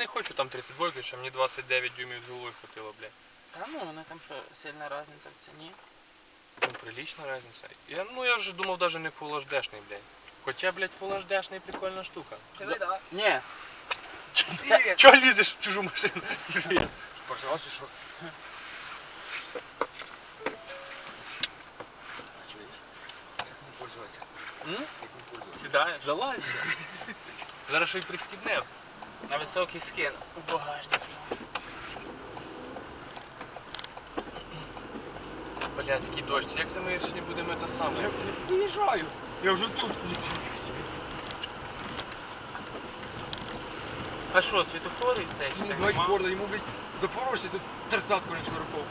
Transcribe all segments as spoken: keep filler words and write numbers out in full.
не хочу там тридцять два, що мені двадцять дев'ять дюймів з головою хватило, блядь. Та ну, вони там що, сильна різниця в ціні? Ну, прилична різниця. Я, ну я вже думав навіть не Full ейч ді-шний, блядь. Хоча, блядь, Full ейч ді-шний прикольна штука. Це ви, так? Ні. Привіт. Чого лізеш в чужу машину? Пожалуй, що? Чуєш? Як ним пользуватися? М? Як ним пользуватися? Сідаєш, залазься. Зараз ще й пристібне. На високий скин у багажник. Блядський дощ, як це ми сьогодні будемо те саме? Я не приїжджаю. Я вже тут. Ніфіга собі. А що, світофори цей? Ці не два Форда, йому, блядь, Запорожці тут тридцятку не швирков.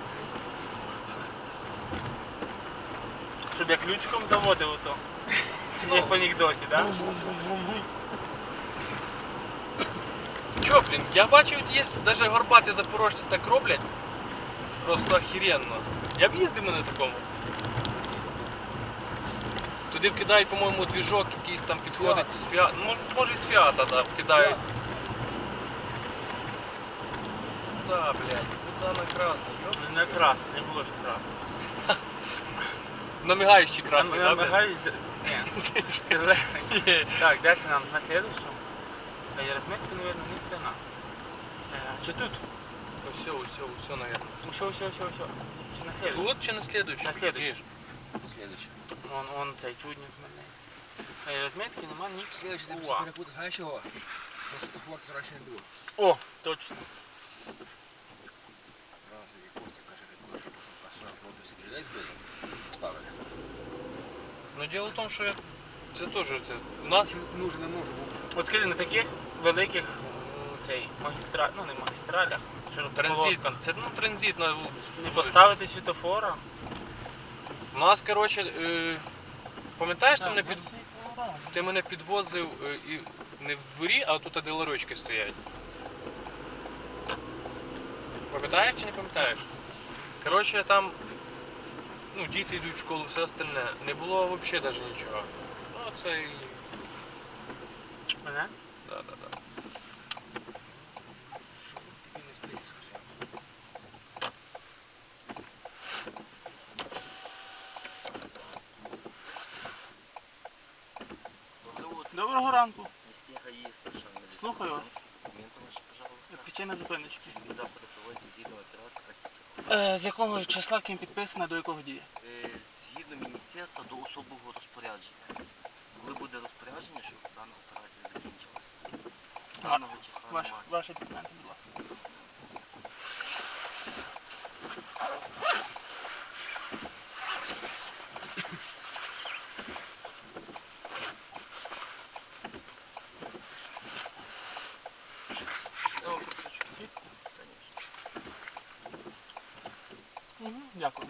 Щоб я ключиком заводив ото. Як в анекдоті, так? Чо, блін, я бачив, є навіть горбаті запорожці так роблять. Просто охеренно. Я б їздив на такому. Туди вкидають, по-моєму, двіжок якийсь там підходить з фіата. Ну, може і з фіата, да, вкидають. Да, блядь, куда на красний, ёп. Ну не красний, не було ж красний. На мигаючий красний, да, блядь? Намагаюсь... Ні. Так, де це нам? На следующем? А я розмітки, наверное, ні хрена. Чи тут? Все, все, все, наверное. Все, все, все, все. Чи на следующем? Тут чи на следующий? На следующий. Слідуючий. Вон, вон цей чудник хмельницький. А я розмітки нема ні. Слідуючий, ти Уа. перепутав, знаєш чого? Тому що Форд раніше не було. О, точно. Раз, як Костя каже, як каже, а що, проти стрілець буде? Поставили. Ну, дело в тому, що я... Це теж, це... У нас... Нужен, не нужен. От скажи, на таких великих м, цей магістра... ну не магістралях, Транзит, широкополосках, це, ну, транзит на... не поставити світофора. У нас, коротше, е... пам'ятаєш, ти Так, мене, без під... світофора. ти мене підвозив е, і не в дворі, а тут де ларочки стоять. Пам'ятаєш чи не пам'ятаєш? Коротше, там, ну, діти йдуть в школу, все остальне. Не було взагалі навіть нічого. Ну, це і... Мене? Да, да, да. Тобі не спліти, скажи. Доброго ранку. Снега есть совершенно. Слухаю вас. Документы ваши, пожалуйста. Причина зупиночки. Завтра проводите згідно операції, як Е, з якого числа ким підписано, до якого діє? Е, згідно міністерства до особового розпорядження. Коли буде розпорядження, щоб дана операція закінчилася. Даного числа Ваш, немає. ваші документи, будь ласка. Я вам просвічу. Звідки? Звісно. Угу, дякую.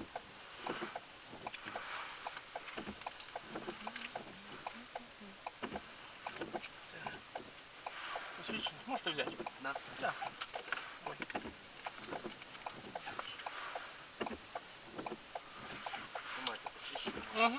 Посвідчення можете взяти. Да. Дякую. Ой. Тримайте посвідчення. Угу.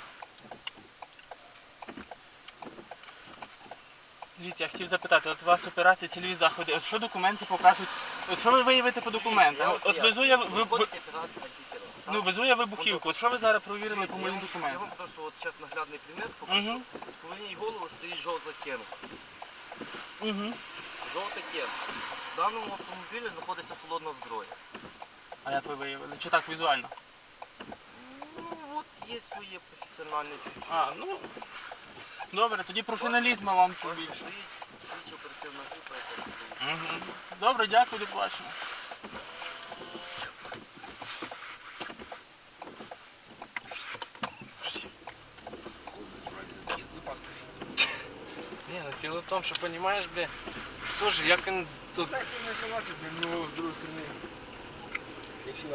Дивіться, я хотів запитати, от у вас операція, цільові заходи, от що документи покажуть, от що ви виявите по документам? От везу я, ви, ви, Виходить операція на кікера. ну, везу я вибухівку, от що ви зараз провірили по Я моїм вам- Я документам? вам просто от зараз наглядний примір покажу. Угу. Коли їй голову стоїть жовта кенка. Угу. Жовта кенка. В даному автомобілі знаходиться холодна зброя. А як ви виявили? Чи так візуально? Ну от є своє професіональне чуття. А, ну, добре, тоді професіоналізму вам Ось побільше. стоїть слідчо оперативна група, яка стоїть. Угу. Добре, дякую, до побачення. Є запас. Не, ну дело в том, что понимаешь, бля, тоже як він тут. Так, ты не согласен, но с другой стороны. Я всегда.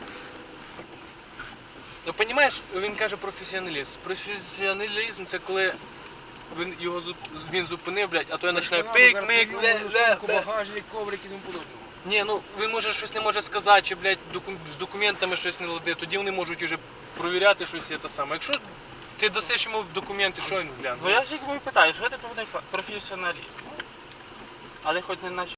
Ну понимаєш, він каже професіоналізм. Професіоналізм це коли він його зуп- він зупинив, блядь, а то я починаю пик, мик, ле, ле, ле. Багажник, коврик і тому подобне. Ні, ну він може щось не може сказати, чи, блядь, доку- з документами щось не ладить, тоді вони можуть уже провіряти щось і те саме. Якщо ти дасиш йому документи, що він гляне? Ну я ж їх питаю, що це повинен професіоналізм? Але хоч не наче